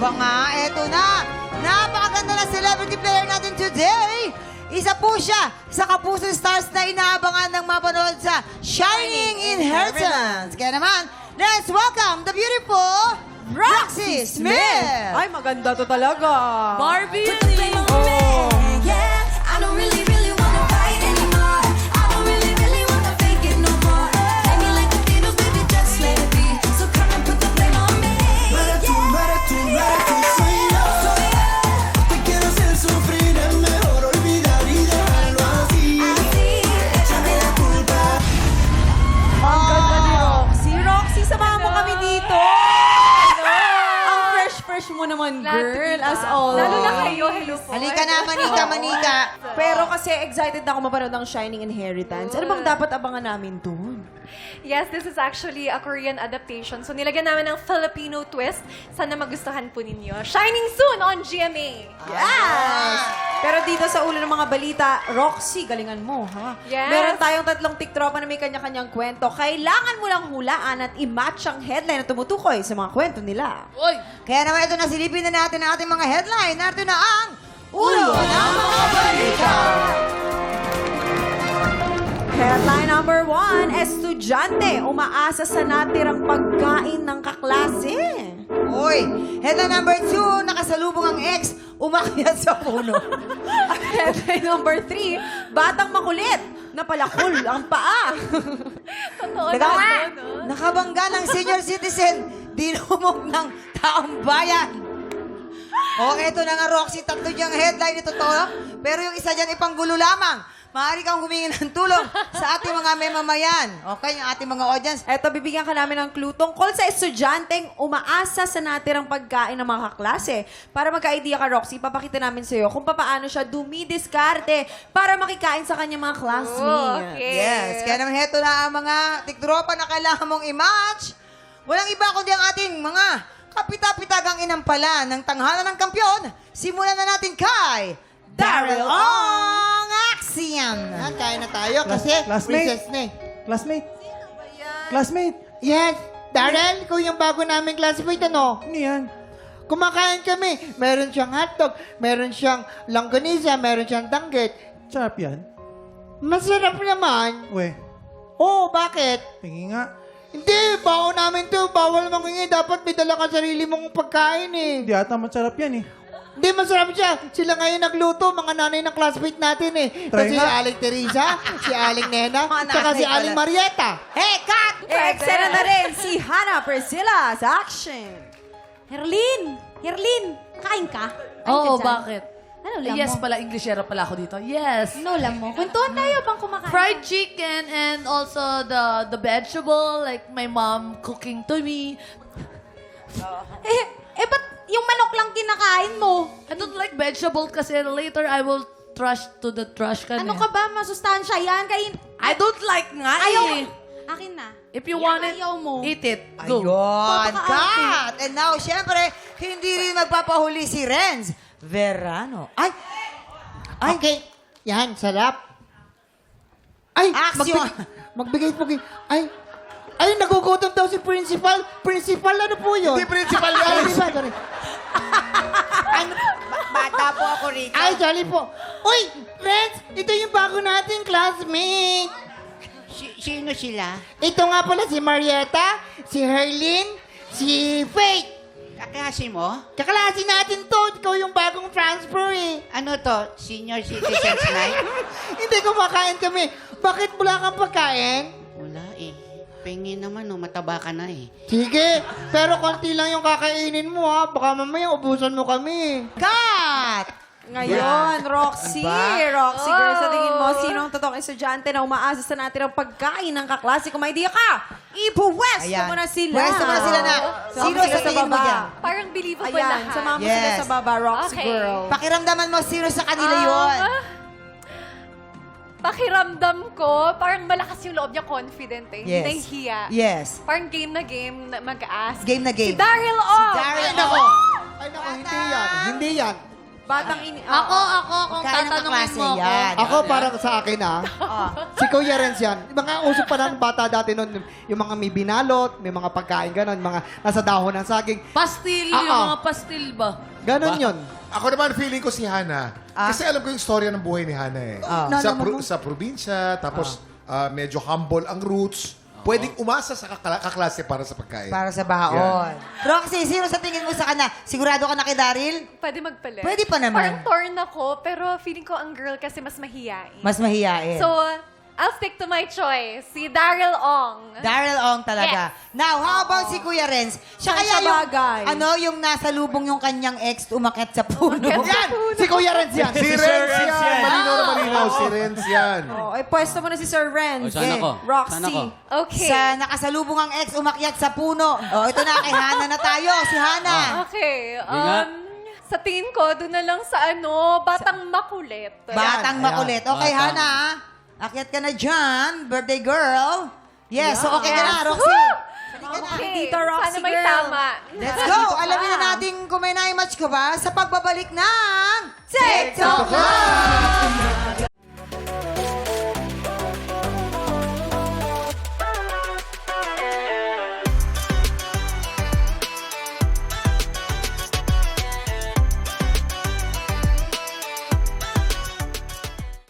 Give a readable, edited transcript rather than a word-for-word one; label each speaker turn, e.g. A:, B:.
A: ba nga? Eto na. Napakaganda na celebrity player natin today. Isa po siya sa kapuso stars na inaabangan ng mapanood sa Shining Inheritance. Kaya naman, let's welcome the beautiful Roxy Smith!
B: Ay, maganda to talaga.
C: Barbie!
B: Oh.
D: I don't really, really wanna fight anymore. I don't really, really wanna fake it no more. Play me like the Beatles, baby, just let it be. So come and put the blame on me.
E: Soy yo. Te quiero hacer sufrir, es mejor olvidar y dejarlo así. Échame la culpa.
B: Ang ganda ni Roxy. Roxy, samahan mo kami dito. Ang fresh mo naman, girl, as always.
C: Lalo na kayo, hello po.
A: Halika na, manika.
B: Pero kasi excited na ako mapanood ng Shining Inheritance. Ano bang dapat abangan namin doon?
C: Yes, this is actually a Korean adaptation. So nilagyan namin ng Filipino twist. Sana magustuhan po ninyo. Shining soon on GMA.
B: Yes! Pero dito sa ulo ng mga balita, Roxy, galingan mo, ha?
C: Yes.
B: Meron tayong tatlong tiktropa na may kanya-kanyang kwento. Kailangan mo lang hulaan at i-match ang headline na tumutukoy sa mga kwento nila.
A: Kaya naman ito na, silipin na natin ang ating mga headline. Narito na ang Ulo ng mga balita.
B: Headline number 1, estudyante umaasa sa natirang pagkain ng kaklase.
A: Uy, headline number 2, nakasalubong ang ex, umakyat sa puno.
B: Headline number 3, batang makulit, napalakol ang paa.
C: Totoo
A: Teka
C: na
A: nga,
C: to, no?
A: nakabangga ng senior citizen, dinumog ng taong bayan. O, eto na nga, Roxy, tatlo diyang headline ito to, pero yung isa dyan ipanggulo lamang. Maaari kang humingi ng tulong sa ating mga memamayan. Okay, yung ating mga audience.
B: Eto, bibigyan ka namin ng clue tungkol sa estudyanteng umaasa sa natirang pagkain ng mga kaklase. Para magka-idea ka, Roxy, papakita namin sa'yo kung paano siya dumidiskarte para makikain sa kanyang mga classmates.
C: Okay.
A: Yes, kaya naman heto na ang mga tiktropa na kailangan mong i-match. Walang iba kundi ang ating mga kapita-pitagang inampala ng tanghalan ng kampyon. Simulan na natin kay Daryl Ong Axian.
F: Yan, kaya na tayo kasi recess na eh.
E: Classmate. Classmate.
F: Yes, Darrell, ikaw yung bago naming classmate, ano?
E: Ano yan?
F: Kumakain kami. Meron siyang hotdog, meron siyang longganisa, meron siyang danggit.
E: Sarap yan.
F: Masarap naman.
E: We,
F: Oo, bakit?
E: tingin nga.
F: Hindi, baon namin to. Bawal mangingi. Dapat may dala ka sarili mong pagkain eh.
E: Hindi ata masarap yan eh.
F: Hindi, masarap siya. Sila ngayon nagluto, mga nanay ng classmate natin eh.
E: Try
F: Kasi si
E: nga.
F: Aling Teresa, si Aling Nena,
A: Mga
F: saka
A: nanay
F: si
A: pala.
F: Aling Marieta.
A: Hey, cut!
B: Eksena na rin si Hannah Priscilla sa action.
G: Herlin! Kain ka? Kain
H: Oo,
G: ka dyan?
H: bakit?
G: Ano ulam
H: Yes
G: mo?
H: pala, Englishera pala ako dito. Yes.
G: Ano ulam mo? Kwentuhan tayo pang kumakain.
H: Fried chicken and also the vegetable, like my mom cooking to me.
G: Ba't yung manok lang kinakain mo?
H: I don't like vegetable kasi later I will trash to the trash can.
G: Ano ka ba? Masustansya yan.
H: I don't like nga
G: Ayaw.
H: eh.
G: Akin na.
H: If you
G: Yan,
H: want it,
G: ayaw mo.
H: eat it. Go.
A: Ayun, cut! And now, syempre, hindi rin magpapahuli si Renz Verano. Ay!
F: Okay. Yan, sarap. Ay,
A: Action!
F: magbigay po kayo. Ay, nagugutom daw si principal. Principal, ano po yun?
E: Hindi principal yan.
F: Ay, sorry.
A: Bata po ako rito.
F: Ay, sorry po. Uy, Renz, ito yung bago nating classmate.
I: Sino sila?
F: Ito nga pala si Marieta, si Herlin, si Faith.
I: Kaklase mo?
F: Kaklase natin to. Ikaw yung bagong transfer eh.
I: Ano to? Senior Citizens Night?
F: Hindi, kumakain kami. Bakit wala kang pagkain?
I: Wala eh. Pengin naman oh, mataba ka na eh.
F: Sige, pero konti lang yung kakainin mo ha. Baka mamaya ubusan mo kami.
A: Cut!
B: Ngayon, Roxy. Roxy, girl, sa tingin mo, sino ang totoong estudyante na umaasa sa natirang pagkain ng kaklase? Kung may idea ka, ipuwesto mo na sila.
A: Pwesto mo na sila na. Sino sa tingin mo dyan?
C: Parang believable
B: Ayan,
C: lahat.
B: samahan mo sila
A: Yes.
B: sa baba, Roxy
C: Okay.
B: girl.
A: Pakiramdaman mo sino sa kanila yun.
C: Pakiramdam ko, parang malakas yung loob niya, confident eh. Hindi
A: Yes.
C: nahihiya.
A: Yes.
C: Parang game na game, mag-ask.
A: Game na game.
C: Si Daryl Ong!
A: Daryl
F: Ay, nako.
A: Ong.
F: Ay, nako, hindi yan. Hindi yan.
B: Batang ini...
H: Ako, kung
A: Pagkain ng
H: tatanungin
A: kaklase
H: mo ako.
A: yan.
F: Ako, parang sa akin si Kuya Renz yan. Mga uso pa ng bata dati noon, yung mga may binalot, may mga pagkain ganon, mga nasa dahon ng saging.
H: Pastil,
F: Ah,
H: yung
F: ah.
H: mga pastil ba?
F: Ganon yun.
J: Ako naman, feeling ko si Hana. Kasi alam ko yung storya ng buhay ni Hana eh. Sa probinsya, tapos medyo humble ang roots. Pwedeng umasa sa kaklase para sa pagkain.
A: Para sa baon. Roxy, sino sa tingin mo sa kanya? Sigurado ka na kay Daryl?
C: Pwede magpalit.
A: Pwede pa naman.
C: Parang torn ako, pero feeling ko ang girl kasi mas mahiyain.
A: Mas mahiyain.
C: So, I'll stick to my choice. Si Daryl Ong.
A: Daryl Ong talaga. Now, how about si Kuya Renz? Siya
B: Saan
A: kaya
B: siya
A: yung,
B: bagay?
A: yung nasa lubong yung kanyang ex umakyat sa puno.
F: Yan! Si Kuya Renz yan.
J: Si Renz yan! Malinaw na malinaw, si Renz yan.
B: Oh, ay, pwesto mo na si Sir Renz.
A: saan ako?
B: Roxy.
C: Okay.
A: Sa nakasalubong ang ex umakyat sa puno. Oh, ito na, kay Hana na tayo. Si Hana.
C: Okay. Sa tingin ko, doon na lang sa Batang Makulit.
A: Batang makulit. Okay, Hana. Akyat ka na dyan. Birthday girl. Yes, so okay ka na, Roxy.
C: Okay.
B: Tita Roxy
C: Sana may
B: girl.
C: tama.
A: Let's go! Alamin na natin kung may na-match ka ba sa pagbabalik ng TikTok
F: TikTok
A: Live!